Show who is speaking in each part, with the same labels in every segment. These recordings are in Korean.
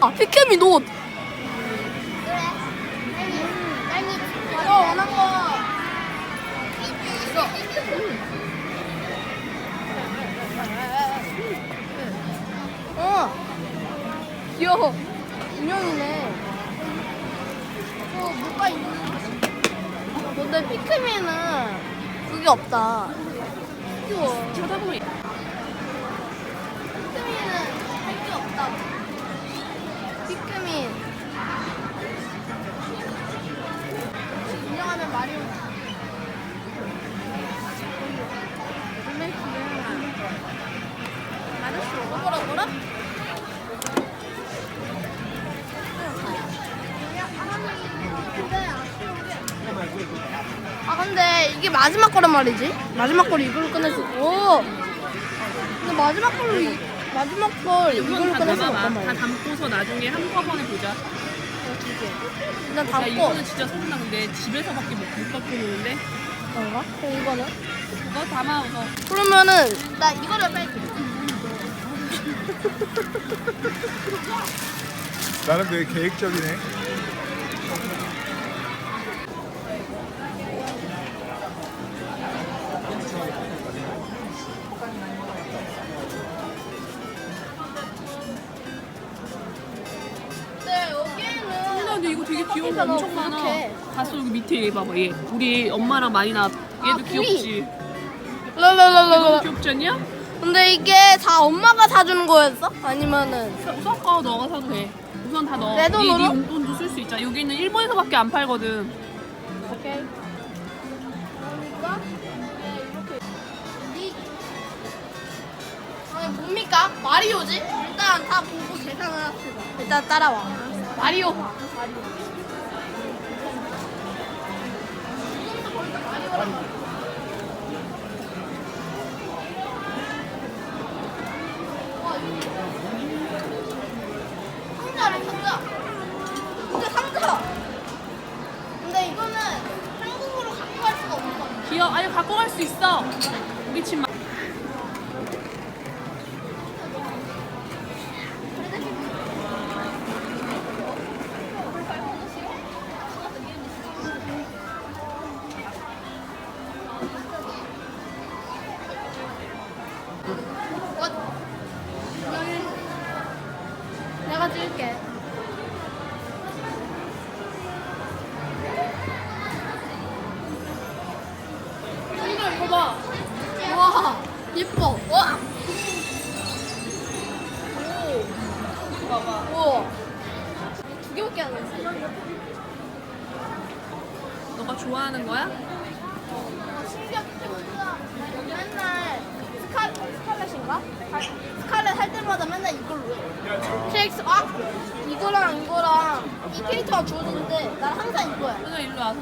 Speaker 1: 아, 피케미 옷.
Speaker 2: 그래. 딸기.
Speaker 1: 너 원한 거. 귀여워. 인형이네. 뭐가 있는? 근데 피크미는 그게 없다. 귀여워.
Speaker 3: 쳐다보면
Speaker 1: 피크미는 할 게 없다. 피크민. 인형하면 마리오. 뭐라? 아 근데 이게 마지막 거란 말이지? 마지막 걸 이걸로 끝낼 수 있고. 근데 마지막 걸 이걸로 끝낼 수 없단
Speaker 3: 다
Speaker 1: 말이야.
Speaker 3: 담고서 나중에 한꺼번에 보자.
Speaker 1: 일단
Speaker 3: 야
Speaker 1: 담고.
Speaker 3: 이거는 진짜 소문나. 근데 집에서밖에 못 갖고 노는데
Speaker 1: 그런가? 그럼 이거는?
Speaker 3: 그거 담아서
Speaker 1: 그러면은 나 이거를 뺄게.
Speaker 4: 나는 되게 계획적이네.
Speaker 1: 네 여기에는.
Speaker 3: 근데 이거 되게 귀여운 거
Speaker 1: 그러니까
Speaker 3: 엄청
Speaker 1: 너
Speaker 3: 많아.
Speaker 1: 그렇게.
Speaker 3: 봤어 여기 밑에 얘 봐봐 얘. 우리 엄마랑 많이 나. 얘도
Speaker 1: 아,
Speaker 3: 귀엽지. 얘도
Speaker 1: 랄랄랄랄라.
Speaker 3: 귀엽지 않냐?
Speaker 1: 근데 이게 다 엄마가 사주는 거였어? 아니면은
Speaker 3: 섞어 너가 사도 돼. 우선 다 넣어.
Speaker 1: 내 돈으로?
Speaker 3: 네 용돈도 쓸 수 있잖아. 여기는 일본에서밖에 안 팔거든.
Speaker 1: 오케이. 그러니까 이렇게 아니 뭡니까? 마리오지? 일단 다 보고 계산을 합시다. 일단 따라와. 마리오. 상자래 상자. 진짜 상자. 근데 이거는 한국으로 갖고 갈 수가 없어.
Speaker 3: 귀여워. 아니 갖고 갈 수 있어. 우리 집 마.
Speaker 1: 내가 찍을게. 이거 봐. 와, 예뻐. 와. 오. 봐봐. 우와. 두 개밖에 안 했어.
Speaker 3: 너가 좋아하는 거야?
Speaker 1: 신기하게 맨날 스칼렛인가? 스칼렛 할 때마다 맨날 이걸로 해. 텍스 이거랑 이 캐릭터가 주어지는데 난 항상 이거야.
Speaker 3: 그냥 일로 와서.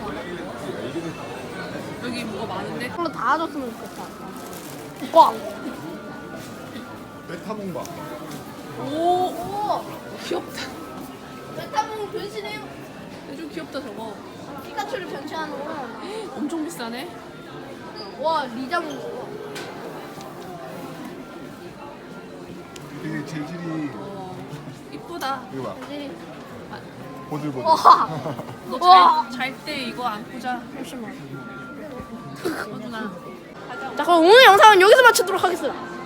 Speaker 3: 여기 뭐가 많은데?
Speaker 1: 이걸로 다 줬으면 좋겠다. 와.
Speaker 4: 메타몽바.
Speaker 3: 오
Speaker 1: 오.
Speaker 3: 귀엽다.
Speaker 1: 메타몽 변신해요.
Speaker 3: 좀 귀엽다 저거.
Speaker 1: 피카츄를 변신하는 거.
Speaker 3: 엄청 비싸네.
Speaker 1: 와 리자몽.
Speaker 4: 되게 재질이
Speaker 3: 이쁘다.
Speaker 4: 이거 봐.
Speaker 1: 이제
Speaker 4: 보들보들.
Speaker 1: 와.
Speaker 3: 너 잘 때 이거 안고 자.
Speaker 1: 잠시만.
Speaker 3: 어준아.
Speaker 1: 자 그럼 오늘 영상은 여기서 마치도록 하겠습니다.